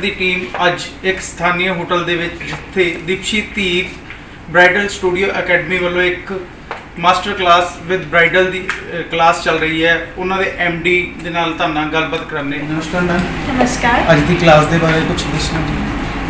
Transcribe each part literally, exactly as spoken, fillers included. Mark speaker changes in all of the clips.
Speaker 1: ਦੀ team ਅੱਜ ਇੱਕ ਸਥਾਨੀ hotel ਦੇ ਵਿੱਚ ਜਿੱਥੇ Deepshi Dhir bridal studio academy ਵੱਲੋਂ ਇੱਕ ਮਾਸਟਰ ਕਲਾਸ ਵਿਦ ਬ੍ਰਾਈਡਲ ਦੀ ਕਲਾਸ ਚੱਲ ਰਹੀ ਹੈ। ਉਹਨਾਂ ਦੇ ਐਮ ਡੀ ਦੇ ਨਾਲ ਤੁਹਾਡੇ ਨਾਲ ਗੱਲਬਾਤ ਕਰਨੇ। ਨਮਸਕਾਰ ਮੈਮ।
Speaker 2: ਨਮਸਕਾਰ।
Speaker 1: ਅੱਜ ਦੀ ਕਲਾਸ ਦੇ ਬਾਰੇ ਕੁਝ ਦੱਸਣਾ ਜੀ।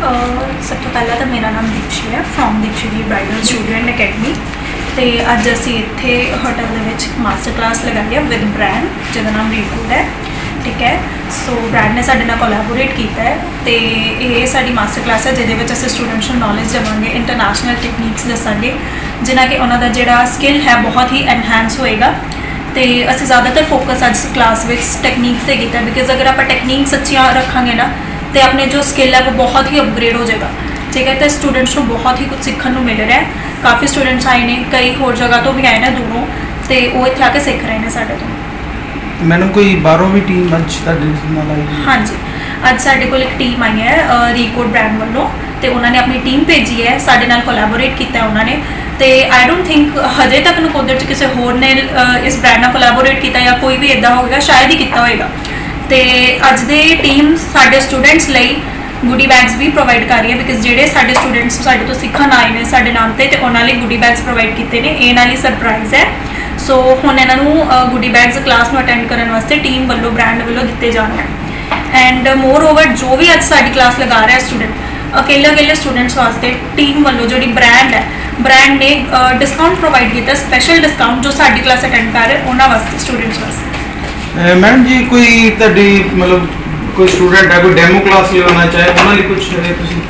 Speaker 2: ਸਭ ਤੋਂ ਪਹਿਲਾਂ ਤਾਂ ਮੇਰਾ ਨਾਮ ਦੀਪਸ਼ੀ ਹੈ ਫਰੋਮ ਦੀਪਸ਼ੀ ਦੀ ਬ੍ਰਾਈਡਲ ਸਟੂਡੀਓ ਐਂਡ ਅਕੈਡਮੀ। ਤੇ ਅੱਜ ਅਸੀਂ ਇੱਥੇ ਹੋਟਲ ਦੇ ਵਿੱਚ ਮਾਸਟਰ ਕਲਾਸ ਲਗਾਈ ਹੈ ਵਿਦ ਬ੍ਰਾਂਡ ਜਿਹਦਾ ਨਾਮ ਰੀਕੂਡ ਹੈ। ਠੀਕ ਹੈ, ਸੋ ਬ੍ਰਾਂਡ ਨੇ ਸਾਡੇ ਨਾਲ ਕੋਲੈਬੋਰੇਟ ਕੀਤਾ ਹੈ ਤੇ ਇਹ ਸਾਡੀ ਮਾਸਟਰ ਕਲਾਸ ਹੈ ਜਿਹਦੇ ਵਿੱਚ ਅਸੀਂ ਸਟੂਡੈਂਟਸ ਨੂੰ ਨੌਲੇਜ ਦੇਵਾਂਗੇ, ਇੰਟਰਨੈਸ਼ਨਲ ਟੈਕਨੀਕਸ ਦੱਸਾਂਗੇ ਜਿਨ੍ਹਾਂ ਕਿ ਉਹਨਾਂ ਦਾ ਜਿਹੜਾ ਸਕਿੱਲ ਹੈ ਬਹੁਤ ਹੀ ਐਨਹਾਂਸ ਹੋਏਗਾ। ਤੇ ਅਸੀਂ ਜ਼ਿਆਦਾਤਰ ਫੋਕਸ ਅੱਜ ਕਲਾਸ ਵਿੱਚ ਟੈਕਨੀਕਸ 'ਤੇ ਕੀਤਾ ਬਿਕਾਜ਼ ਅਗਰ ਆਪਾਂ ਟੈਕਨੀਕਸ ਅੱਛੀਆਂ ਰੱਖਾਂਗੇ ਨਾ ਤੇ ਆਪਣੇ ਜੋ ਸਕਿੱਲ ਹੈ ਉਹ ਬਹੁਤ ਹੀ ਅਪਗ੍ਰੇਡ ਹੋ ਜਾਏਗਾ। ਠੀਕ ਹੈ, ਤੇ ਸਟੂਡੈਂਟਸ ਨੂੰ ਬਹੁਤ ਹੀ ਕੁਝ ਸਿੱਖਣ ਨੂੰ ਮਿਲ ਰਿਹਾ ਹੈ। ਕਾਫੀ ਸਟੂਡੈਂਟਸ ਆਏ ਨੇ, ਕਈ ਹੋਰ ਜਗ੍ਹਾ ਤੋਂ ਵੀ ਆਏ ਨੇ ਦੂਰੋਂ, ਤੇ ਉਹ ਇੱਥੇ ਆ ਕੇ ਸਿੱਖ ਰਹੇ ਨੇ ਸਾਡੇ ਤੋਂ।
Speaker 1: ਮੈਡਮ ਕੋਈ ਬਾਹਰੋਂ ਵੀ ਟੀਮ ਅੱਜ ਤੁਹਾਡੇ ਨਾਲ ਆਈ ਹੈ?
Speaker 2: ਹਾਂਜੀ, ਅੱਜ ਸਾਡੇ ਕੋਲ ਇੱਕ ਟੀਮ ਆਈ ਹੈ ਰੀਕੋਡ ਬ੍ਰਾਂਡ ਵੱਲੋਂ ਤੇ ਉਹਨਾਂ ਨੇ ਆਪਣੀ ਟੀਮ ਭੇਜੀ ਹੈ, ਸਾਡੇ ਨਾਲ ਕੋਲੈਬੋਰੇਟ ਕੀਤਾ ਉਹਨਾਂ ਨੇ। ਤੇ ਆਈ ਡੋਂਟ ਥਿੰਕ ਹਜੇ ਤੱਕ ਨਕੋਦਰ 'ਚ ਕਿਸੇ ਹੋਰ ਨੇ ਇਸ ਬ੍ਰਾਂਡ ਨਾਲ ਕੋਲੈਬੋਰੇਟ ਕੀਤਾ ਜਾਂ ਕੋਈ ਵੀ ਇੱਦਾਂ ਹੋਵੇਗਾ, ਸ਼ਾਇਦ ਹੀ ਕੀਤਾ ਹੋਵੇਗਾ। ਤੇ ਅੱਜ ਦੇ ਟੀਮ ਸਾਡੇ ਸਟੂਡੈਂਟਸ ਲਈ ਗੁੱਡੀ ਬੈਗਸ ਵੀ ਪ੍ਰੋਵਾਈਡ ਕਰ ਰਹੀ ਹੈ ਬਿਕਾਜ਼ ਜਿਹੜੇ ਸਾਡੇ ਸਟੂਡੈਂਟਸ ਸਾਡੇ ਤੋਂ ਸਿੱਖਣ ਆਏ ਨੇ ਸਾਡੇ ਨਾਮ 'ਤੇ ਤੇ ਉਹਨਾਂ ਲਈ ਗੁੱਡੀ ਬੈਗਸ ਪ੍ਰੋਵਾਈਡ ਕੀਤੇ ਨੇ। ਇਹ ਨਾਲ ਹੀ ਸਰਪ੍ਰਾਈਜ਼ ਹੈ। ਸੋ ਹੁਣ ਇਹਨਾਂ ਨੂੰ ਗੁੱਡੀ ਬੈਗਸ ਕਲਾਸ ਨੂੰ ਅਟੈਂਡ ਕਰਨ ਵਾਸਤੇ ਟੀਮ ਵੱਲੋਂ ਬ੍ਰਾਂਡ ਵੱਲੋਂ ਦਿੱਤੇ ਜਾਣਗੇ। ਐਂਡ ਮੋਰ ਓਵਰ ਜੋ ਵੀ ਅੱਜ ਸਾਡੀ ਕਲਾਸ ਲਗਾ ਰਿਹਾ ਸਟੂਡੈਂਟ ਅਕੇਲੇ ਅਕੇਲੇ ਸਟੂਡੈਂਟਸ ਵਾਸਤੇ ਟੀਮ ਵੱਲੋਂ ਜਿਹੜੀ ਬ੍ਰਾਂਡ ਹੈ ਬ੍ਰਾਂਡ ਨੇ ਡਿਸਕਾਊਂਟ ਪ੍ਰੋਵਾਈਡ ਕੀਤਾ, ਸਪੈਸ਼ਲ ਡਿਸਕਾਊਂਟ ਜੋ ਸਾਡੀ ਕਲਾਸ ਅਟੈਂਡ ਕਰ ਰਹੇ ਉਹਨਾਂ ਵਾਸਤੇ ਸਟੂਡੈਂਟਸ ਵਾਸਤੇ।
Speaker 1: ਮੈਡਮ ਜੀ ਕੋਈ ਤੁਹਾਡੀ ਮਤਲਬ ਕੋਈ ਸਟੂਡੈਂਟ ਹੈ ਕੋਈ ਡੈਮੋ ਕਲਾਸ ਲੈਣਾ ਚਾਹੇ ਉਹਨਾਂ ਲਈ ਕੁਝ ਹੈ ਤੁਸੀਂ?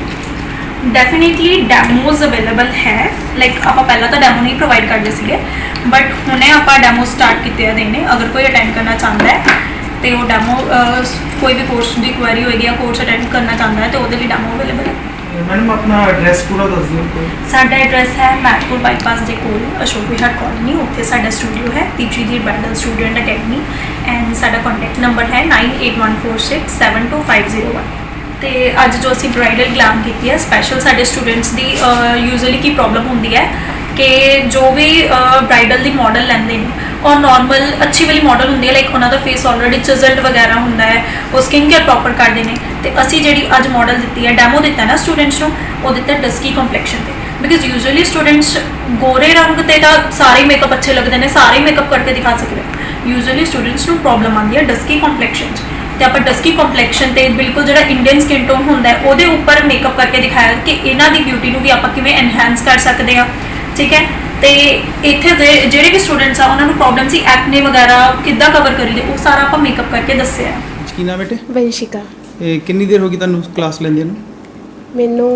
Speaker 2: ਡੈਫੀਨੇਟਲੀ ਡੈਮੋਜ਼ ਅਵੇਲੇਬਲ ਹੈ। ਲਾਈਕ ਆਪਾਂ ਪਹਿਲਾਂ ਤਾਂ ਡੈਮੋ ਨਹੀਂ ਪ੍ਰੋਵਾਈਡ ਕਰਦੇ ਸੀਗੇ ਬਟ ਹੁਣੇ ਆਪਾਂ ਡੈਮੋ ਸਟਾਰਟ ਕੀਤੇ ਆ ਦੇਣੇ। ਅਗਰ ਕੋਈ ਅਟੈਂਡ ਕਰਨਾ ਚਾਹੁੰਦਾ ਹੈ ਤੇ ਉਹ ਡੈਮੋ ਕੋਈ ਵੀ ਕੋਰਸ ਦੀ ਕੁਐਰੀ ਹੋਏਗੀ ਜਾਂ ਕੋਰਸ ਅਟੈਂਡ ਕਰਨਾ ਚਾਹੁੰਦਾ ਹੈ ਤੇ ਉਹਦੇ ਲਈ ਡੈਮੋ ਅਵੇਲੇਬਲ ਹੈ।
Speaker 1: ਮੈਡਮ ਆਪਣਾ ਐਡਰੈਸ ਪੂਰਾ ਦੱਸ ਦਿਓ ਕੋਈ।
Speaker 2: ਸਾਡਾ ਐਡਰੈਸ ਹੈ ਮੈਟਪੁਰ ਬਾਈਪਾਸ ਦੇ ਕੋਲ ਅਸ਼ੋਕ ਵਿਹਾਰ ਕਾਲੋਨੀ, ਉੱਥੇ ਸਾਡਾ ਸਟੂਡੀਓ ਹੈ ਦੀਪਸ਼ੀ ਦੀ ਬ੍ਰਾਈਡਲ ਸਟੂਡੈਂਟ ਅਕੈਡਮੀ। ਐਂਡ ਸਾਡਾ ਕੰਟੈਕਟ ਨੰਬਰ ਹੈ nine eight one four six seven two five zero one. ਤੇ ਅੱਜ ਜੋ ਅਸੀਂ ਬ੍ਰਾਈਡਲ ਗਲਾਮ ਕੀਤੀ ਹੈ ਸਪੈਸ਼ਲ ਸਾਡੇ ਸਟੂਡੈਂਟਸ ਦੀ ਯੂਜ਼ਲੀ ਕੀ ਪ੍ਰੋਬਲਮ ਹੁੰਦੀ ਹੈ ਕਿ ਜੋ ਵੀ ਬ੍ਰਾਈਡਲ ਦੀ ਮਾਡਲ ਲੈਂਦੇ ਨੇ ਔਰ ਨਾਰਮਲ ਅੱਛੀ ਵਾਲੀ ਮਾਡਲ ਹੁੰਦੀ ਹੈ ਲਾਈਕ ਉਹਨਾਂ ਦਾ ਫੇਸ ਆਲਰੇਡੀ ਚਿਜ਼ਲਡ ਵਗੈਰਾ ਹੁੰਦਾ ਹੈ, ਉਹ ਸਕਿਨ ਕੇਅਰ ਪ੍ਰੋਪਰ ਕਰਦੇ ਨੇ। ਤੇ ਅਸੀਂ ਜਿਹੜੀ ਅੱਜ ਮਾਡਲ ਦਿੱਤੀ ਹੈ ਡੈਮੋ ਦਿੱਤਾ ਨਾ ਸਟੂਡੈਂਟਸ ਨੂੰ, ਉਹ ਦਿੱਤਾ ਡਸਕੀ ਕੰਪਲੈਕਸ਼ਨ ਤੇ ਬਿਕਾਜ਼ ਯੂਜ਼ਲੀ ਸਟੂਡੈਂਟਸ ਗੋਰੇ ਰੰਗ ਤੇ ਤਾਂ ਸਾਰੇ ਮੇਕਅਪ ਅੱਛੇ ਲੱਗਦੇ ਨੇ, ਸਾਰੇ ਮੇਕਅਪ ਕਰਕੇ ਦਿਖਾ ਸਕਦੇ। ਯੂਜ਼ਲੀ ਸਟੂਡੈਂਟਸ ਨੂੰ ਪ੍ਰੋਬਲਮ ਆਉਂਦੀ ਹੈ ਡਸਕੀ ਕੰਪਲੈਕਸ਼ਨ 'ਚ ਤੇ ਆਪਾਂ ਡਸਕੀ ਕੰਪਲੈਕਸ਼ਨ ਤੇ ਬਿਲਕੁਲ ਜਿਹੜਾ ਇੰਡੀਅਨ ਸਕਿਨ ਟੋਨ ਹੁੰਦਾ ਹੈ ਉਹਦੇ ਉੱਪਰ ਮੇਕਅਪ ਕਰਕੇ ਦਿਖਾਇਆ ਕਿ ਇਹਨਾਂ ਦੀ ਬਿਊਟੀ ਨੂੰ ਵੀ ਆਪਾਂ ਕਿਵੇਂ ਐਨਹਾਂਸ ਕਰ ਸਕਦੇ ਹਾਂ। ਠੀਕ ਹੈ, ਤੇ ਇੱਥੇ ਦੇ ਜਿਹੜੇ ਵੀ ਸਟੂਡੈਂਟਸ ਆ ਉਹਨਾਂ ਨੂੰ ਪ੍ਰੋਬਲਮ ਸੀ ਐਕਨੇ ਵਗੈਰਾ ਕਿੱਦਾਂ ਕਵਰ ਕਰੀਏ ਉਹ ਸਾਰਾ ਆਪਾਂ ਮੇਕਅਪ ਕਰਕੇ ਦੱਸਿਆ।
Speaker 1: ਕੀ ਨਾਮ ਬੇਟੇ?
Speaker 3: ਵੰਸ਼ਿਕਾ।
Speaker 1: ਇਹ ਕਿੰਨੀ ਦੇਰ ਹੋ ਗਈ ਤੁਹਾਨੂੰ ਕਲਾਸ ਲੈਂਦੇ ਨੂੰ?
Speaker 3: ਮੈਨੂੰ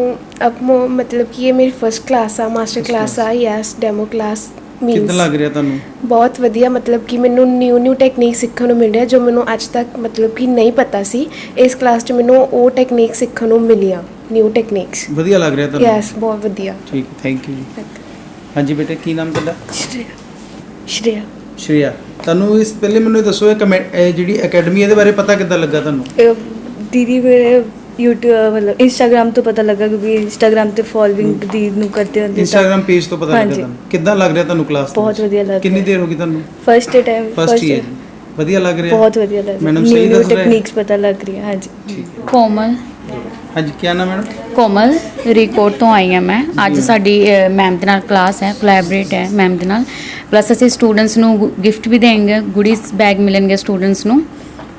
Speaker 3: ਅਬ ਮਤਲਬ ਕਿ ਇਹ ਮੇਰੀ ਫਸਟ ਕਲਾਸ ਆ, ਮਾਸਟਰ ਕਲਾਸ ਆ। Yes, demo class.
Speaker 1: ਕਿੱਦਾਂ ਲੱਗ ਰਿਹਾ ਤੁਹਾਨੂੰ?
Speaker 3: ਬਹੁਤ ਵਧੀਆ, ਮਤਲਬ ਕਿ ਮੈਨੂੰ ਨਿਊ ਨਿਊ ਟੈਕਨੀਕ ਸਿੱਖਣ ਨੂੰ ਮਿਲ ਰਿਹਾ ਜੋ ਮੈਨੂੰ ਅੱਜ ਤੱਕ ਮਤਲਬ ਕਿ ਨਹੀਂ ਪਤਾ ਸੀ। ਇਸ ਕਲਾਸ 'ਚ ਮੈਨੂੰ ਉਹ ਟੈਕਨੀਕ ਸਿੱਖਣ ਨੂੰ ਮਿਲੀਆਂ, ਨਿਊ ਟੈਕਨੀਕਸ।
Speaker 1: ਵਧੀਆ ਲੱਗ ਰਿਹਾ ਤੁਹਾਨੂੰ?
Speaker 3: ਯੈਸ, ਬਹੁਤ ਵਧੀਆ।
Speaker 1: ਠੀਕ, ਥੈਂਕ ਯੂ ਜੀ। ਹਾਂਜੀ ਬੇਟੇ, ਕੀ ਨਾਮ ਤੁਹਾਡਾ?
Speaker 3: ਸ਼੍ਰੇਆ। ਸ਼੍ਰੇਆ।
Speaker 1: ਸ਼੍ਰੇਆ, ਤੁਹਾਨੂੰ ਇਸ ਪਹਿਲੇ ਮੈਨੂੰ ਇਹ ਦੱਸੋ ਇਹ ਕਮੈ ਇਹ ਜਿਹੜੀ ਅਕੈਡਮੀ ਇਹਦੇ ਬਾਰੇ ਪਤਾ ਕਿੱਦਾਂ ਲੱਗਾ ਤੁਹਾਨੂੰ?
Speaker 4: दीदी मेरे यूट्यूब मतलब इंस्टाग्राम तो पता लगा क्योंकि इंस्टाग्राम ਤੇ ਫੋਲੋਇੰਗ ਦੀ ਨੂੰ ਕਰਦੇ ਹੁੰਦੇ
Speaker 1: ਇੰਸਟਾਗ੍ਰam ਪੇਜ ਤੋਂ ਪਤਾ ਲੱਗਾ ਤੁਹਾਨੂੰ? ਕਿੱਦਾਂ ਲੱਗ ਰਿਹਾ ਤੁਹਾਨੂੰ ਕਲਾਸ?
Speaker 4: ਬਹੁਤ ਵਧੀਆ ਲੱਗ ਰਿਹਾ।
Speaker 1: ਕਿੰਨੀ ਦੇਰ ਹੋ ਗਈ ਤੁਹਾਨੂੰ?
Speaker 4: First time
Speaker 1: first year. ਵਧੀਆ ਲੱਗ ਰਿਹਾ?
Speaker 4: ਬਹੁਤ ਵਧੀਆ ਲੱਗ ਰਿਹਾ।
Speaker 1: ਮੈਡਮ ਸਹੀ ਦੱਸ ਰਹੇ?
Speaker 4: ਟੈਕਨੀਕਸ ਪਤਾ ਲੱਗ ਰਹੀ ਹੈ। ਹਾਂਜੀ।
Speaker 1: ਠੀਕ ਹੈ।
Speaker 5: ਕੋਮਲ।
Speaker 1: ਹਾਂਜੀ, ਕੀ ਨਾਮ ਮੈਡਮ?
Speaker 5: ਕੋਮਲ ਰੀਕੋਡ ਤੋਂ ਆਈ ਹਾਂ ਮੈਂ। ਅੱਜ ਸਾਡੀ ਮੈਮ ਦੇ ਨਾਲ ਕਲਾਸ ਹੈ, ਕੋਲੈਬੋਰੇਟ ਹੈ ਮੈਮ ਦੇ ਨਾਲ। ਪਲੱਸ ਅਸੀਂ ਸਟੂਡੈਂਟਸ ਨੂੰ ਗਿਫਟ ਵੀ ਦੇਂਗੇ, ਗੁਡੀਜ਼ ਬੈਗ ਮਿਲਣਗੇ ਸਟੂਡੈਂਟਸ ਨੂੰ।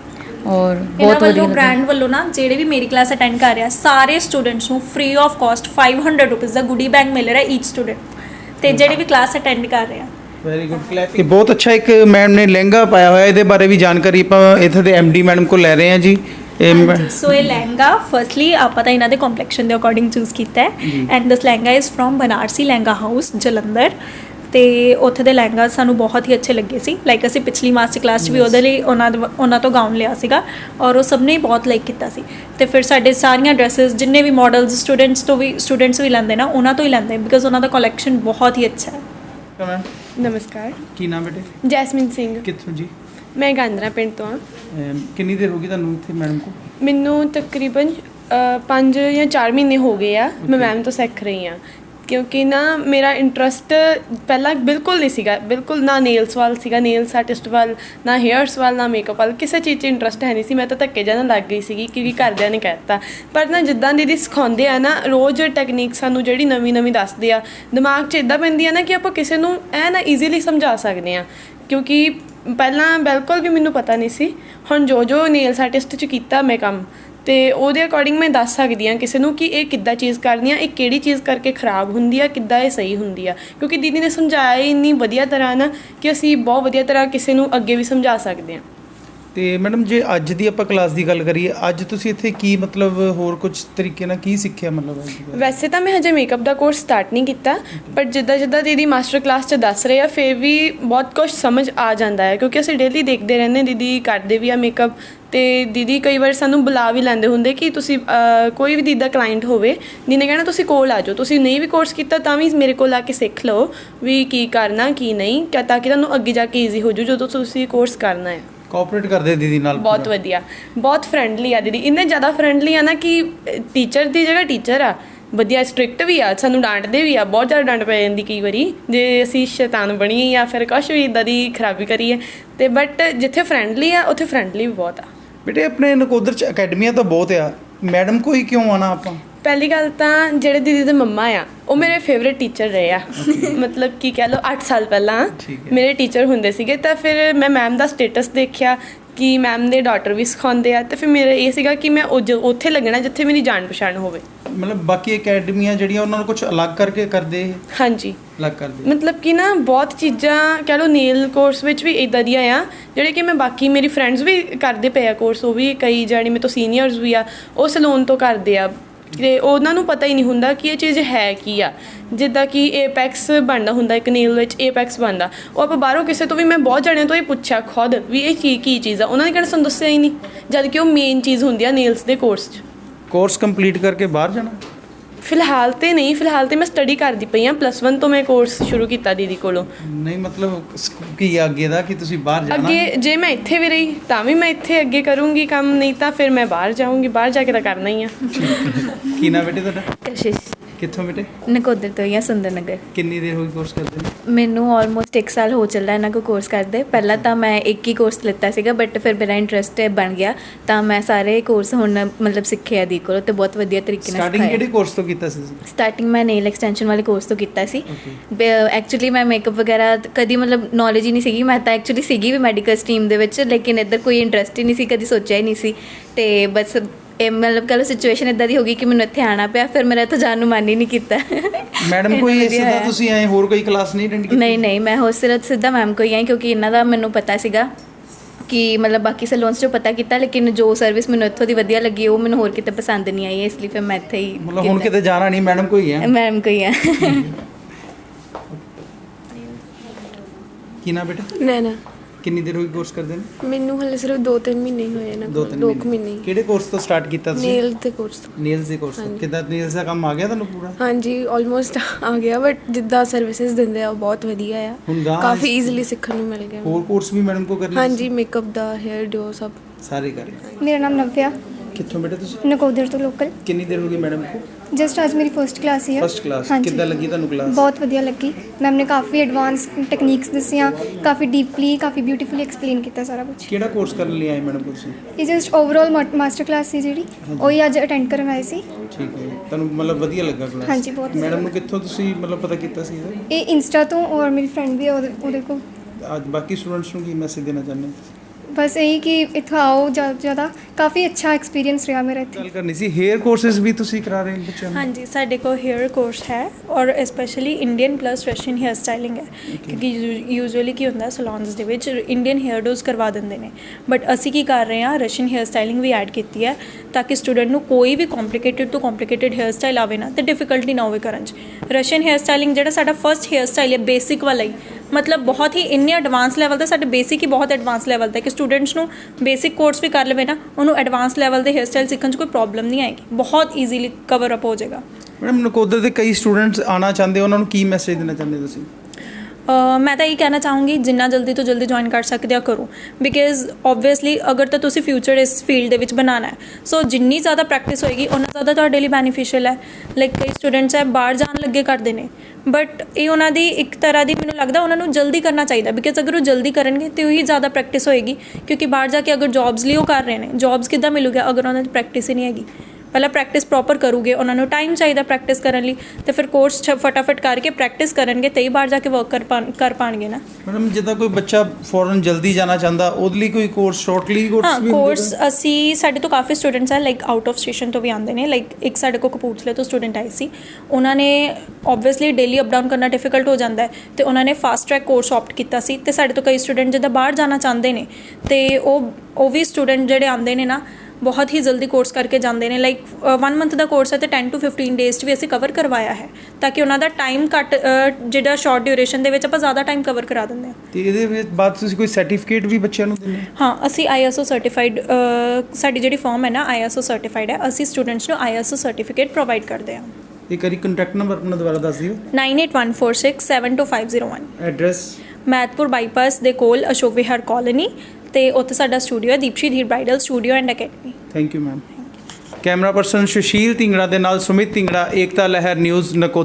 Speaker 5: ਔਰ ਬਹੁਤ ਵਧੀਆ
Speaker 2: ਬ੍ਰਾਂਡ ਵੱਲੋਂ ਨਾ ਜਿਹੜੇ ਵੀ ਮੇਰੀ ਕਲਾਸ ਅਟੈਂਡ ਕਰ ਰਿਹਾ ਸਾਰੇ ਸਟੂਡੈਂਟਸ ਨੂੰ free of cost five hundred rupees ਦਾ ਗੁੱਡੀ ਬੈਗ ਮਿਲ ਰਿਹਾ ਈਚ ਸਟੂਡੈਂਟ ਤੇ ਜਿਹੜੇ ਵੀ ਕਲਾਸ ਅਟੈਂਡ ਕਰ ਰਹੇ ਆ।
Speaker 1: Very good clap. ਇਹ ਬਹੁਤ ਅੱਛਾ ਇੱਕ ਮੈਮ ਨੇ ਲਹਿੰਗਾ ਪਾਇਆ ਹੋਇਆ, ਇਹਦੇ ਬਾਰੇ ਵੀ ਜਾਣਕਾਰੀ ਆਪਾਂ ਇੱਥੇ ਦੇ ਐਮ ਡੀ ਮੈਡਮ ਕੋਲ ਲੈ ਰਹੇ ਹਾਂ ਜੀ।
Speaker 2: ਸੋ ਇਹ ਲਹਿੰਗਾ ਫਰਸਟਲੀ ਆਪਾਂ ਤਾਂ ਇਹਨਾਂ ਦੇ ਕੰਪਲੈਕਸ਼ਨ ਦੇ ਅਕੋਰਡਿੰਗ ਚੂਜ਼ ਕੀਤਾ ਹੈ and this lehenga is from Banarasi lehenga house Jalandhar. ਤੇ ਉੱਥੇ ਦੇ ਲਹਿੰਗਾ ਸਾਨੂੰ ਬਹੁਤ ਹੀ ਅੱਛੇ ਲੱਗੇ ਸੀ। ਲਾਈਕ ਅਸੀਂ ਪਿਛਲੀ ਮਾਸਟਰ ਕਲਾਸ 'ਚ ਵੀ ਉਹਦੇ ਲਈ ਉਹਨਾਂ ਦਾ ਉਹਨਾਂ ਤੋਂ ਗਾਊਨ ਲਿਆ ਸੀਗਾ ਔਰ ਉਹ ਸਭ ਨੇ ਬਹੁਤ ਲਾਈਕ ਕੀਤਾ ਸੀ। ਤੇ ਫਿਰ ਸਾਡੇ ਸਾਰੀਆਂ ਡਰੈਸਿਸ ਜਿੰਨੇ ਵੀ ਮਾਡਲਸ ਸਟੂਡੈਂਟਸ ਤੋਂ ਵੀ ਸਟੂਡੈਂਟਸ ਵੀ ਲੈਂਦੇ ਨਾ ਉਹਨਾਂ ਤੋਂ ਹੀ ਲੈਂਦੇ ਬਿਕਾਜ਼ ਉਹਨਾਂ ਦਾ ਕਲੈਕਸ਼ਨ ਬਹੁਤ ਹੀ ਅੱਛਾ ਹੈ।
Speaker 3: ਨਮਸਕਾਰ।
Speaker 1: ਕੀ ਨਾਮ ਬੇਟੇ?
Speaker 3: ਜੈਸਮੀਨ ਸਿੰਘ।
Speaker 1: ਕਿੱਥੋਂ ਜੀ?
Speaker 3: ਮੈਂ ਗਾਂਦਰਾ ਪਿੰਡ ਤੋਂ ਹਾਂ।
Speaker 1: ਕਿੰਨੀ ਦੇਰ ਹੋ ਗਈ ਤੁਹਾਨੂੰ ਇੱਥੇ ਮੈਡਮ ਕੋਲ?
Speaker 3: ਮੈਨੂੰ ਤਕਰੀਬਨ ਪੰਜ ਜਾਂ ਚਾਰ ਮਹੀਨੇ ਹੋ ਗਏ ਆ। ਮੈਂ ਮੈਮ ਤੋਂ ਸਿੱਖ ਰਹੀ ਹਾਂ
Speaker 6: ਕਿਉਂਕਿ ਨਾ ਮੇਰਾ ਇੰਟਰਸਟ ਪਹਿਲਾਂ ਬਿਲਕੁਲ ਨਹੀਂ ਸੀਗਾ, ਬਿਲਕੁਲ ਨਾ ਨੇਲਸ ਵੱਲ ਸੀਗਾ, ਨੇਲਸ ਆਰਟਿਸਟ ਵੱਲ, ਨਾ ਹੇਅਰਸ ਵੱਲ, ਨਾ ਮੇਕਅਪ ਵੱਲ, ਕਿਸੇ ਚੀਜ਼ 'ਚ ਇੰਟਰਸਟ ਹੈ ਨਹੀਂ ਸੀ। ਮੈਂ ਤਾਂ ਧੱਕੇ ਜਾਣ ਲੱਗ ਗਈ ਸੀਗੀ ਕਿਉਂਕਿ ਘਰਦਿਆਂ ਨੇ ਕਹਿ ਦਿੱਤਾ। ਪਰ ਨਾ ਜਿੱਦਾਂ ਦੀਦੀ ਸਿਖਾਉਂਦੇ ਆ ਨਾ ਰੋਜ਼ ਟੈਕਨੀਕ ਸਾਨੂੰ ਜਿਹੜੀ ਨਵੀਂ ਨਵੀਂ ਦੱਸਦੇ ਆ, ਦਿਮਾਗ 'ਚ ਇੱਦਾਂ ਪੈਂਦੀ ਆ ਨਾ ਕਿ ਆਪਾਂ ਕਿਸੇ ਨੂੰ ਐ ਨਾ ਈਜ਼ੀਲੀ ਸਮਝਾ ਸਕਦੇ ਹਾਂ। ਕਿਉਂਕਿ ਪਹਿਲਾਂ ਬਿਲਕੁਲ ਵੀ ਮੈਨੂੰ ਪਤਾ ਨਹੀਂ ਸੀ, ਹੁਣ ਜੋ ਜੋ ਨੇਲਸ ਆਰਟਿਸਟ 'ਚ ਕੀਤਾ ਮੈਂ ਕੰਮ, ਅਤੇ ਉਹਦੇ ਅਕੋਰਡਿੰਗ ਮੈਂ ਦੱਸ ਸਕਦੀ ਹਾਂ ਕਿਸੇ ਨੂੰ ਕਿ ਇਹ ਕਿੱਦਾਂ ਚੀਜ਼ ਕਰਨੀ ਆ, ਇਹ ਕਿਹੜੀ ਚੀਜ਼ ਕਰਕੇ ਖ਼ਰਾਬ ਹੁੰਦੀ ਆ, ਕਿੱਦਾਂ ਇਹ ਸਹੀ ਹੁੰਦੀ ਆ। ਕਿਉਂਕਿ ਦੀਦੀ ਨੇ ਸਮਝਾਇਆ ਇੰਨੀ ਵਧੀਆ ਤਰ੍ਹਾਂ ਨਾ ਕਿ ਅਸੀਂ ਬਹੁਤ ਵਧੀਆ ਤਰ੍ਹਾਂ ਕਿਸੇ ਨੂੰ ਅੱਗੇ ਵੀ ਸਮਝਾ ਸਕਦੇ ਹਾਂ।
Speaker 1: ਤੇ ਮੈਡਮ ਜੇ ਅੱਜ ਦੀ ਆਪਾਂ ਕਲਾਸ ਦੀ ਗੱਲ ਕਰੀਏ, ਅੱਜ ਤੁਸੀਂ ਇੱਥੇ ਕੀ ਮਤਲਬ ਹੋਰ ਕੁਝ ਤਰੀਕੇ ਨਾਲ ਕੀ ਸਿੱਖਿਆ ਮਤਲਬ?
Speaker 6: ਵੈਸੇ ਤਾਂ ਮੈਂ ਹਜੇ ਮੇਕਅਪ ਦਾ ਕੋਰਸ ਸਟਾਰਟ ਨਹੀਂ ਕੀਤਾ, ਪਰ ਜਿੱਦਾਂ ਜਿੱਦਾਂ ਦੀਦੀ ਮਾਸਟਰ ਕਲਾਸ 'ਚ ਦੱਸ ਰਹੇ ਆ ਫਿਰ ਵੀ ਬਹੁਤ ਕੁਛ ਸਮਝ ਆ ਜਾਂਦਾ ਹੈ। ਕਿਉਂਕਿ ਅਸੀਂ ਡੇਲੀ ਦੇਖਦੇ ਰਹਿੰਦੇ, ਦੀਦੀ ਕਰਦੇ ਵੀ ਆ ਮੇਕਅਪ, ਅਤੇ ਦੀਦੀ ਕਈ ਵਾਰ ਸਾਨੂੰ ਬੁਲਾ ਵੀ ਲੈਂਦੇ ਹੁੰਦੇ ਕਿ ਤੁਸੀਂ ਕੋਈ ਵੀ ਦੀਦੀ ਦਾ ਕਲਾਇੰਟ ਹੋਵੇ, ਦੀਦੀ ਨੇ ਕਹਿਣਾ ਤੁਸੀਂ ਕੋਲ ਆ ਜਾਓ, ਤੁਸੀਂ ਨਹੀਂ ਵੀ ਕੋਰਸ ਕੀਤਾ ਤਾਂ ਵੀ ਮੇਰੇ ਕੋਲ ਆ ਕੇ ਸਿੱਖ ਲਓ ਵੀ ਕੀ ਕਰਨਾ ਕੀ ਨਹੀਂ, ਤਾਂ ਕਿ ਤੁਹਾਨੂੰ ਅੱਗੇ ਜਾ ਕੇ ਈਜ਼ੀ ਹੋ ਜਾਊ ਜਦੋਂ ਤੁਸੀਂ ਕੋਰਸ ਕਰਨਾ ਹੈ।
Speaker 1: ਕੋਆਪਰੇਟ ਕਰਦੇ ਦੀਦੀ ਨਾਲ?
Speaker 6: ਬਹੁਤ ਵਧੀਆ, ਬਹੁਤ ਫਰੈਂਡਲੀ ਆ ਦੀਦੀ, ਇੰਨੇ ਜ਼ਿਆਦਾ ਫਰੈਂਡਲੀ ਆ ਨਾ ਕਿ ਟੀਚਰ ਦੀ ਜਗ੍ਹਾ ਟੀਚਰ ਆ। ਵਧੀਆ ਸਟ੍ਰਿਕਟ ਵੀ ਆ, ਸਾਨੂੰ ਡਾਂਟਦੇ ਵੀ ਆ, ਬਹੁਤ ਜ਼ਿਆਦਾ ਡਾਂਟ ਪੈ ਜਾਂਦੀ ਕਈ ਵਾਰੀ ਜੇ ਅਸੀਂ ਸ਼ੈਤਾਨ ਬਣੀਏ ਜਾਂ ਫਿਰ ਕੁਛ ਵੀ ਇੱਦਾਂ ਦੀ ਖਰਾਬੀ ਕਰੀਏ, ਅਤੇ ਬਟ ਜਿੱਥੇ ਫਰੈਂਡਲੀ ਆ ਉੱਥੇ ਫਰੈਂਡਲੀ ਵੀ ਬਹੁਤ ਆ।
Speaker 1: ਬੇਟੇ ਆਪਣੇ ਨਕੋਦਰ 'ਚ ਅਕੈਡਮੀਆਂ ਤਾਂ ਬਹੁਤ ਆ, ਮੈਡਮ ਕੋਈ ਕਿਉਂ ਆਉਣਾ ਆਪਾਂ?
Speaker 6: ਪਹਿਲੀ ਗੱਲ ਤਾਂ ਜਿਹੜੇ ਦੀਦੀ ਦੇ ਮੰਮਾ ਆ ਉਹ ਮੇਰੇ ਫੇਵਰੇਟ ਟੀਚਰ ਰਹੇ ਆ। ਮਤਲਬ ਕੀ ਕਹਿ ਲਓ ਅੱਠ ਸਾਲ ਪਹਿਲਾਂ ਮੇਰੇ ਟੀਚਰ ਹੁੰਦੇ ਸੀਗੇ, ਤਾਂ ਫਿਰ ਮੈਂ ਮੈਮ ਦਾ ਸਟੇਟਸ ਦੇਖਿਆ ਕਿ ਮੈਮ ਦੇ ਡਾਟਰ ਵੀ ਸਿਖਾਉਂਦੇ ਆ, ਅਤੇ ਫਿਰ ਮੇਰਾ ਇਹ ਸੀਗਾ ਕਿ ਮੈਂ ਉਹ ਉੱਥੇ ਲੱਗਣਾ ਜਿੱਥੇ ਮੇਰੀ ਜਾਣ ਪਛਾਣ ਹੋਵੇ।
Speaker 1: ਮਤਲਬ ਬਾਕੀ ਅਕੈਡਮੀਆਂ ਜਿਹੜੀਆਂ ਉਹਨਾਂ ਨੂੰ ਕੁਝ ਅਲੱਗ ਕਰਕੇ ਕਰਦੇ?
Speaker 6: ਹਾਂਜੀ,
Speaker 1: ਅਲੱਗ ਕਰਦੇ।
Speaker 6: ਮਤਲਬ ਕਿ ਨਾ ਬਹੁਤ ਚੀਜ਼ਾਂ ਕਹਿ ਲਓ ਨੇਲ ਕੋਰਸ ਵਿੱਚ ਵੀ ਇੱਦਾਂ ਦੀਆਂ ਆ ਜਿਹੜੇ ਕਿ ਮੈਂ ਬਾਕੀ ਮੇਰੀ ਫਰੈਂਡਸ ਵੀ ਕਰਦੇ ਪਏ ਆ ਕੋਰਸ, ਉਹ ਵੀ ਕਈ ਜਾਣੀ ਮੇਰੇ ਤੋਂ ਸੀਨੀਅਰਸ ਵੀ ਆ, ਉਹ ਸਲੂਨ ਤੋਂ ਕਰਦੇ ਆ, ਅਤੇ ਉਹਨਾਂ ਨੂੰ ਪਤਾ ਹੀ ਨਹੀਂ ਹੁੰਦਾ ਕਿ ਇਹ ਚੀਜ਼ ਹੈ ਕੀ ਆ। ਜਿੱਦਾਂ ਕਿ ਏਪੈਕਸ ਬਣਦਾ ਹੁੰਦਾ ਇੱਕ ਨੇਲ ਵਿੱਚ, ਏਪੈਕਸ ਬਣਦਾ, ਉਹ ਆਪਾਂ ਬਾਹਰੋਂ ਕਿਸੇ ਤੋਂ ਵੀ, ਮੈਂ ਬਹੁਤ ਜਣਿਆਂ ਤੋਂ ਇਹ ਪੁੱਛਿਆ ਖੁਦ ਵੀ ਇਹ ਕੀ ਕੀ ਚੀਜ਼ ਆ, ਉਹਨਾਂ ਨੇ ਕਿਹੜਾ ਸਾਨੂੰ ਦੱਸਿਆ ਹੀ ਨਹੀਂ, ਜਦ ਕਿ ਉਹ ਮੇਨ ਚੀਜ਼ ਹੁੰਦੀ ਆ ਨੇਲਸ ਦੇ ਕੋਰਸ 'ਚ।
Speaker 1: ਕੋਰਸ ਕੰਪਲੀਟ ਕਰਕੇ ਬਾਹਰ ਜਾਣਾ?
Speaker 6: ਫਿਲਹਾਲ ਤੇ ਨਹੀਂ, ਫਿਲਹਾਲ ਤੇ ਮੈਂ ਸਟੱਡੀ ਕਰਦੀ ਪਈ ਹਾਂ, ਪਲੱਸ ਵਨ ਤੋਂ ਮੈਂ ਕੋਰਸ ਸ਼ੁਰੂ ਕੀਤਾ ਦੀਦੀ ਕੋਲੋਂ।
Speaker 1: ਨਹੀਂ ਮਤਲਬ ਕੀ ਅੱਗੇ ਦਾ ਕਿ ਤੁਸੀਂ ਬਾਹਰ ਜਾਣਾ?
Speaker 6: ਅੱਗੇ ਜੇ ਮੈਂ ਇੱਥੇ ਵੀ ਰਹੀ ਤਾਂ ਵੀ ਮੈਂ ਇੱਥੇ ਅੱਗੇ ਕਰੂੰਗੀ ਕੰਮ, ਨਹੀਂ ਤਾਂ ਫਿਰ ਮੈਂ ਬਾਹਰ ਜਾਊਂਗੀ, ਬਾਹਰ ਜਾ ਕੇ ਤਾਂ ਕਰਨਾ ਹੀ ਆ।
Speaker 1: ਕੀ ਨਾਮ ਬੇਟੇ ਤੁਹਾਡਾ?
Speaker 4: ਕਸ਼ਿਸ਼
Speaker 1: ਕਿੱਥੋਂ ਬੇਟੇ?
Speaker 4: ਨਕੋਦਰ ਤੋਂ ਹੀ ਆ, ਸੁੰਦਰ ਨਗਰ।
Speaker 1: ਕਿੰਨੀ ਦੇਰ ਹੋ ਗਈ ਕੋਰਸ ਕਰਦੇ ਨੇ?
Speaker 4: ਮੈਨੂੰ ਆਲਮੋਸਟ ਇੱਕ ਸਾਲ ਹੋ ਚੱਲਾ ਇਹਨਾਂ ਕੋ ਕੋਰਸ ਕਰਦੇ। ਪਹਿਲਾਂ ਤਾਂ ਮੈਂ ਇੱਕ ਹੀ ਕੋਰਸ ਲਿੱਤਾ ਸੀਗਾ, ਬਟ ਫਿਰ ਮੇਰਾ ਇੰਟਰਸਟ ਬਣ ਗਿਆ ਤਾਂ ਮੈਂ ਸਾਰੇ ਕੋਰਸ ਹੁਣ ਮਤਲਬ ਸਿੱਖਿਆ ਦੀ ਕੋਲ, ਤੇ ਬਹੁਤ ਵਧੀਆ ਤਰੀਕੇ ਨਾਲ
Speaker 1: ਸਟਾਰਟਿੰਗ ਕਿਹੜੇ ਕੋਰਸ ਤੋਂ ਕੀਤਾ ਸੀ?
Speaker 4: ਸਟਾਰਟਿੰਗ ਮੈਂ ਨੇਲ ਐਕਸਟੈਂਸ਼ਨ ਵਾਲੇ ਕੋਰਸ ਤੋਂ ਕੀਤਾ ਸੀ। ਐਕਚੁਅਲੀ ਮੈਂ ਮੇਕਅਪ ਵਗੈਰਾ ਕਦੀ ਮਤਲਬ ਨੌਲੇਜ ਹੀ ਨਹੀਂ ਸੀਗੀ, ਮੈਂ ਤਾਂ ਐਕਚੁਅਲੀ ਸੀਗੀ ਵੀ ਮੈਡੀਕਲ ਸਟਰੀਮ ਦੇ ਵਿੱਚ, ਲੇਕਿਨ ਇੱਧਰ ਕੋਈ ਇੰਟਰਸਟ ਹੀ ਨਹੀਂ ਸੀ, ਕਦੀ ਸੋਚਿਆ ਹੀ ਨਹੀਂ ਸੀ, ਅਤੇ ਬਸ ਇਹ ਮਤਲਬ ਕਹਿ ਲਓ ਸਿਚੁਏਸ਼ਨ ਇੱਦਾਂ ਦੀ ਹੋ ਗਈ ਕਿ ਮੈਨੂੰ ਇੱਥੇ ਆਉਣਾ ਪਿਆ, ਫਿਰ ਮੇਰਾ ਇੱਥੇ ਜਾਣ ਨੂੰ ਮਨ ਹੀ ਨਹੀਂ ਕੀਤਾ।
Speaker 1: ਮੈਡਮ ਕੋਈ ਇਸ ਦਾ ਤੁਸੀਂ ਆਏ ਹੋਰ ਕੋਈ ਕਲਾਸ ਨਹੀਂ ਅਟੈਂਡ ਕੀਤੀ?
Speaker 4: ਨਹੀਂ ਨਹੀਂ, ਮੈਂ ਹੋਰ ਸਿਰਫ ਸਿੱਧਾ ਮੈਮ ਕੋਲ ਹੀ ਆਈ, ਕਿਉਂਕਿ ਇਹਨਾਂ ਦਾ ਮੈਨੂੰ ਪਤਾ ਸੀਗਾ ਕਿ ਮਤਲਬ ਬਾਕੀ ਸੈਲੂਨਸ 'ਚੋਂ ਪਤਾ ਕੀਤਾ, ਲੇਕਿਨ ਜੋ ਸਰਵਿਸ ਮੈਨੂੰ ਇੱਥੋਂ ਦੀ ਵਧੀਆ ਲੱਗੀ ਉਹ ਮੈਨੂੰ ਹੋਰ ਕਿਤੇ ਪਸੰਦ ਨਹੀਂ ਆਈ, ਇਸ ਲਈ ਫਿਰ ਮੈਂ ਇੱਥੇ ਹੀ
Speaker 1: ਮਤਲਬ ਹੁਣ ਕਿਤੇ ਜਾਣਾ ਨਹੀਂ, ਮੈਡਮ ਕੋਈ ਹੈ?
Speaker 4: ਮੈਮ ਕੋਈ ਹੈ।
Speaker 1: ਕੀ ਨਾ ਬੇਟਾ?
Speaker 3: ਨੈਣਾ।
Speaker 1: ਕਿੰਨੀ ਦੇਰ ਹੋਈ ਕੋਰਸ ਕਰਦੇ ਨੇ?
Speaker 3: ਮੈਨੂੰ ਹਲੇ ਸਿਰਫ ਦੋ ਤਿੰਨ ਮਹੀਨੇ ਹੀ ਹੋਏ ਨਾ,
Speaker 1: ਦੋ ਤਿੰਨ
Speaker 3: ਦੋ ਕੁ ਮਹੀਨੇ ਹੀ।
Speaker 1: ਕਿਹੜੇ ਕੋਰਸ ਤੋਂ ਸਟਾਰਟ ਕੀਤਾ ਤੁਸੀਂ?
Speaker 3: ਨੇਲ ਦੇ ਕੋਰਸ ਤੋਂ।
Speaker 1: ਨੇਲਸ ਦੇ ਕੋਰਸ ਤੋਂ। ਕਿੱਦਾਂ ਨੇਲਸ ਦਾ ਕੰਮ ਆ ਗਿਆ ਤੁਹਾਨੂੰ ਪੂਰਾ?
Speaker 3: ਹਾਂਜੀ ਆਲਮੋਸਟ ਆ ਗਿਆ, ਬਟ ਜਿੱਦਾਂ ਸਰਵਿਸਿਜ਼ ਦਿੰਦੇ ਆ ਉਹ ਬਹੁਤ ਵਧੀਆ ਆ,
Speaker 1: ਹੁਣ ਗਾਂਹ
Speaker 3: ਕਾਫੀ ਈਜ਼ੀਲੀ ਸਿੱਖਣ ਨੂੰ ਮਿਲ ਗਿਆ।
Speaker 1: ਹੋਰ ਕੋਰਸ ਵੀ ਮੈਡਮ ਕੋ ਕਰਨੇ?
Speaker 3: ਹਾਂਜੀ ਮੇਕਅਪ ਦਾ, ਹੇਅਰ ਡਿਓ ਸਭ
Speaker 1: ਸਾਰੇ ਕਰੇ।
Speaker 7: ਮੇਰਾ ਨਾਮ ਨਵਿਆ,
Speaker 1: ਕਿੱਥੋਂ ਬੇਟਾ ਤੁਸੀਂ?
Speaker 7: ਨਕੋਦਰ ਤੋਂ ਲੋਕਲ।
Speaker 1: ਕਿੰਨੀ ਦੇਰ ਹੋ ਗਈ ਮੈਡਮ ਕੋ?
Speaker 7: ਜਸਟ ਅੱਜ ਮੇਰੀ ਫਰਸਟ ਕਲਾਸ ਹੀ ਹੈ।
Speaker 1: First class.
Speaker 7: ਹਾਂਜੀ।
Speaker 1: ਕਿੱਦਾਂ ਲੱਗੀ ਤੁਹਾਨੂੰ ਕਲਾਸ?
Speaker 7: ਬਹੁਤ ਵਧੀਆ ਲੱਗੀ। ਮੈਮ ਨੇ ਕਾਫੀ ਐਡਵਾਂਸ ਟੈਕਨੀਕਸ ਦੱਸੀਆਂ, ਕਾਫੀ ਡੀਪਲੀ, ਕਾਫੀ ਬਿਊਟੀਫੁਲੀ ਐਕਸਪਲੇਨ ਕੀਤਾ ਸਾਰਾ ਕੁਝ।
Speaker 1: ਕਿਹੜਾ ਕੋਰਸ ਕਰਨ ਲਈ ਆਏ ਮੈਡਮ ਤੁਸੀਂ?
Speaker 7: ਇਹ ਜਸਟ ਓਵਰਆਲ ਮਾਸਟਰ ਕਲਾਸ ਸੀ ਜਿਹੜੀ, ਉਹੀ ਅੱਜ ਅਟੈਂਡ ਕਰਨ ਆਏ ਸੀ।
Speaker 1: ਠੀਕ ਹੈ, ਤੁਹਾਨੂੰ ਮਤਲਬ ਵਧੀਆ ਲੱਗਾ ਕਲਾਸ?
Speaker 7: ਹਾਂਜੀ, ਬਹੁਤ ਵਧੀਆ।
Speaker 1: ਮੈਡਮ ਨੂੰ ਕਿੱਥੋਂ ਤੁਸੀਂ ਮਤਲਬ ਪਤਾ ਕੀਤਾ ਸੀ ਇਹਦਾ?
Speaker 7: ਇਹ ਇੰਸਟਾ ਤੋਂ, ਔਰ ਮੇਰੀ ਫਰੈਂਡ ਵੀ ਹੈ ਉਹਦੇ ਉਹਦੇ ਕੋਲ।
Speaker 1: ਅੱਜ ਬਾਕੀ ਸਟੂਡੈਂਟਸ ਨੂੰ ਕੀ ਮੈਸੇਜ ਦੇਣਾ ਚਾਹੁੰਦੇ ਹੋ?
Speaker 7: ਬਸ ਇਹੀ ਕਿ ਇੱਥੋਂ ਆਓ ਜ਼ਿਆਦਾ ਤੋਂ ਜ਼ਿਆਦਾ, ਕਾਫੀ ਅੱਛਾ ਐਕਸਪੀਰੀਅੰਸ ਰਿਹਾ ਮੇਰਾ ਇੱਥੇ।
Speaker 1: ਗੱਲ ਕਰਨੀ ਸੀ, ਹੇਅਰ ਕੋਰਸਿਸ ਵੀ ਤੁਸੀਂ ਕਰਾ ਰਹੇ ਹੋ ਬੱਚਿਆਂ ਨੂੰ?
Speaker 2: ਹਾਂਜੀ ਸਾਡੇ ਕੋਲ ਹੇਅਰ ਕੋਰਸ ਹੈ, ਔਰ specially Indian plus Russian hair styling ਹੈ, ਕਿਉਂਕਿ ਯੂਜੂਅਲੀ ਕੀ ਹੁੰਦਾ ਸਲੂਨਸ ਦੇ ਵਿੱਚ ਇੰਡੀਅਨ ਹੇਅਰ ਡੋਜ਼ ਕਰਵਾ ਦਿੰਦੇ ਨੇ, ਬਟ ਅਸੀਂ ਕੀ ਕਰ ਰਹੇ ਹਾਂ ਰਸ਼ੀਅਨ ਹੇਅਰ ਸਟਾਈਲਿੰਗ ਵੀ ਐਡ ਕੀਤੀ ਹੈ ਤਾਂ ਕਿ ਸਟੂਡੈਂਟ ਨੂੰ ਕੋਈ ਵੀ ਕੰਪਲੀਕੇਟਿਡ ਤੋਂ ਕੰਪਲੀਕੇਟਿਡ ਹੇਅਰ ਸਟਾਈਲ ਆਵੇ ਨਾ ਤੇ ਡਿਫਿਕਲਟੀ ਨਾ ਹੋਵੇ ਕਰਨ 'ਚ। ਰਸ਼ੀਅਨ ਹੇਅਰ ਸਟਾਈਲਿੰਗ ਜਿਹੜਾ ਸਾਡਾ ਫਸਟ ਹੇਅਰ ਸਟਾਈਲ ਹੈ ਬੇਸਿਕ ਵਾਲਾ ਹੀ, ਮਤਲਬ ਬਹੁਤ ਹੀ ਇੰਨੇ ਐਡਵਾਂਸ ਲੈਵਲ ਦਾ, ਸਾਡੇ ਬੇਸਿਕ ਹੀ ਬਹੁਤ ਐਡਵਾਂਸ ਲੈਵਲ ਦਾ ਕਿ ਸਟੂਡੈਂਟਸ ਨੂੰ ਬੇਸਿਕ ਕੋਰਸ ਵੀ ਕਰ ਲਵੇ ਨਾ, ਉਹਨੂੰ ਐਡਵਾਂਸ ਲੈਵਲ ਦੇ ਹੇਅਰ ਸਟਾਈਲ ਸਿੱਖਣ 'ਚ ਕੋਈ ਪ੍ਰੋਬਲਮ ਨਹੀਂ ਆਏਗੀ, ਬਹੁਤ ਈਜ਼ੀਲੀ ਕਵਰ ਅਪ ਹੋ ਜਾਏਗਾ।
Speaker 1: ਮੈਡਮ ਨਕੋਦਰ ਦੇ ਕਈ ਸਟੂਡੈਂਟਸ ਆਉਣਾ ਚਾਹੁੰਦੇ, ਉਹਨਾਂ ਨੂੰ ਕੀ ਮੈਸੇਜ ਦੇਣਾ ਚਾਹੁੰਦੇ ਤੁਸੀਂ?
Speaker 2: ਅਹ ਮੈਂ ਤਾਂ ਇਹ ਕਹਿਣਾ ਚਾਹੂੰਗੀ ਜਿੰਨਾ ਜਲਦੀ ਤੋਂ ਜਲਦੀ ਜੁਆਇਨ ਕਰ ਸਕਦੇ ਆ ਕਰੋ, ਬਿਕਾਜ਼ ਓਬਵੀਅਸਲੀ ਅਗਰ ਤਾਂ ਤੁਸੀਂ ਫਿਊਚਰ ਇਸ ਫੀਲਡ ਦੇ ਵਿੱਚ ਬਣਾਉਣਾ ਹੈ, ਸੋ ਜਿੰਨੀ ਜ਼ਿਆਦਾ ਪ੍ਰੈਕਟਿਸ ਹੋਏਗੀ ਉਨਾ ਜ਼ਿਆਦਾ ਤੁਹਾਡੇ ਲਈ ਬੈਨੀਫੀਸ਼ੀਅਲ ਹੈ। ਲਾਈਕ ਕਈ ਸਟੂਡੈਂਟਸ ਹੈ ਬਾਹਰ ਜਾਣ ਲੱਗੇ ਕਰਦੇ ਨੇ, ਬਟ ਇਹ ਉਹਨਾਂ ਦੀ ਇੱਕ ਤਰ੍ਹਾਂ ਦੀ ਮੈਨੂੰ ਲੱਗਦਾ ਉਹਨਾਂ ਨੂੰ ਜਲਦੀ ਕਰਨਾ ਚਾਹੀਦਾ, ਬਿਕਾਜ਼ ਅਗਰ ਉਹ ਜਲਦੀ ਕਰਨਗੇ ਤਾਂ ਉਹੀ ਜ਼ਿਆਦਾ ਪ੍ਰੈਕਟਿਸ ਹੋਏਗੀ। ਕਿਉਂਕਿ ਬਾਹਰ ਜਾ ਕੇ ਅਗਰ ਜੌਬਸ ਲਈ ਉਹ ਕਰ ਰਹੇ ਨੇ, ਜੌਬਸ ਕਿੱਦਾਂ ਮਿਲੂਗਾ ਅਗਰ ਉਹਨਾਂ ਦੀ ਪ੍ਰੈਕਟਿਸ ਹੀ ਨਹੀਂ ਹੈਗੀ। ਪਹਿਲਾਂ ਪ੍ਰੈਕਟਿਸ ਪ੍ਰੋਪਰ ਕਰੂਗੇ, ਉਹਨਾਂ ਨੂੰ ਟਾਈਮ ਚਾਹੀਦਾ ਪ੍ਰੈਕਟਿਸ ਕਰਨ ਲਈ, ਅਤੇ ਫਿਰ ਕੋਰਸ ਛ ਫਟਾਫਟ ਕਰਕੇ ਪ੍ਰੈਕਟਿਸ ਕਰਨਗੇ ਤੇ ਹੀ ਬਾਹਰ ਜਾ ਕੇ ਵਰਕ ਕਰ ਪਾ ਕਰ ਪਾਉਣਗੇ ਨਾ।
Speaker 1: ਮੈਡਮ ਜਿੱਦਾਂ ਕੋਈ ਬੱਚਾ ਫੋਰਨ ਜਲਦੀ ਜਾਣਾ ਚਾਹੁੰਦਾ ਉਹਦੇ ਲਈ ਕੋਈ ਕੋਰਸ ਸ਼ਾਰਟਲੀ ਕੋਰਸ
Speaker 2: ਹਾਂ
Speaker 1: ਵੀ
Speaker 2: ਕੋਰਸ ਅਸੀਂ ਸਾਡੇ ਤੋਂ ਕਾਫੀ ਸਟੂਡੈਂਟਸ ਹੈ ਲਾਈਕ ਆਊਟ ਆਫ ਸਟੇਸ਼ਨ ਤੋਂ ਵੀ ਆਉਂਦੇ ਨੇ। ਲਾਈਕ ਇੱਕ ਸਾਡੇ ਕੋਲ ਕਪੂਰਥਲੇ ਤੋਂ ਸਟੂਡੈਂਟ ਆਏ ਸੀ, ਉਹਨਾਂ ਨੇ ਓਬਵੀਅਸਲੀ ਡੇਲੀ ਅਪ ਡਾਊਨ ਕਰਨਾ ਡਿਫਿਕਲਟ ਹੋ ਜਾਂਦਾ ਹੈ, ਅਤੇ ਉਹਨਾਂ ਨੇ ਫਾਸਟ ਟਰੈਕ ਕੋਰਸ ਆਪਟ ਕੀਤਾ ਸੀ। ਅਤੇ ਸਾਡੇ ਤੋਂ ਕਈ ਸਟੂਡੈਂਟ ਜਿੱਦਾਂ ਬਾਹਰ ਜਾਣਾ ਚਾਹੁੰਦੇ ਨੇ, ਅਤੇ ਉਹ ਉਹ ਵੀ ਸਟੂਡੈਂਟ ਜਿਹੜੇ ਆਉਂਦੇ ਨੇ ਨਾ ਬਹੁਤ ਹੀ ਜਲਦੀ ਕੋਰਸ ਕਰਕੇ ਜਾਂਦੇ ਨੇ। ਲਾਈਕ ਵਨ ਮੰਥ ਦਾ ਕੋਰਸ ਹੈ ਅਤੇ ਟੈਨ ਟੂ ਫਿਫਟੀਨ ਡੇਜ਼ 'ਚ ਵੀ ਅਸੀਂ ਕਵਰ ਕਰਵਾਇਆ ਹੈ, ਤਾਂ ਕਿ ਉਹਨਾਂ ਦਾ ਟਾਈਮ ਘੱਟ ਜਿਹੜਾ ਸ਼ਾਰਟ ਡਿਊਰੇਸ਼ਨ ਦੇ ਵਿੱਚ ਆਪਾਂ ਜ਼ਿਆਦਾ ਟਾਈਮ ਕਵਰ ਕਰਾ ਦਿੰਦੇ ਹਾਂ।
Speaker 1: ਤੇ ਇਹਦੇ ਵਿੱਚ ਬਾਅਦ ਤੁਸੀਂ ਕੋਈ ਸਰਟੀਫਿਕੇਟ ਵੀ ਬੱਚਿਆਂ ਨੂੰ ਦਿੰਦੇ ਹੋ?
Speaker 2: ਹਾਂ ਅਸੀਂ ਆਈ ਐਸ ਓ ਸਰਟੀਫਾਈਡ, ਸਾਡੀ ਜਿਹੜੀ ਫਰਮ ਹੈ ਨਾ ਆਈ ਐਸ ਓ ਸਰਟੀਫਾਈਡ ਹੈ, ਅਸੀਂ ਸਟੂਡੈਂਟਸ ਨੂੰ I S O certificate provide ਕਰਦੇ ਹਾਂ।
Speaker 1: ਇੱਕ ਵਾਰੀ ਕੰਟੈਕਟ ਨੰਬਰ ਆਪਣਾ ਦੁਬਾਰਾ ਦੱਸ ਦਿਓ।
Speaker 2: Nine eight one four six seven two five zero one.
Speaker 1: Address?
Speaker 2: Methpur bypass ਦੇ ਕੋਲ ਅਸ਼ੋਕ ਵਿਹਾਰ ਕਾਲੋਨੀ, ਅਤੇ ਉੱਥੇ ਸਾਡਾ ਸਟੂਡੀਓ ਹੈ Deepshi Dhir bridal studio and academy.
Speaker 1: Thank you ma'am. Camera person Sushil Dhingra ਦੇ ਨਾਲ ਸੁਮਿਤ ਢਿੰਗੜਾ, ਏਕਤਾ ਲਹਿਰ ਨਿਊਜ਼ ਨਕੋਦਰ।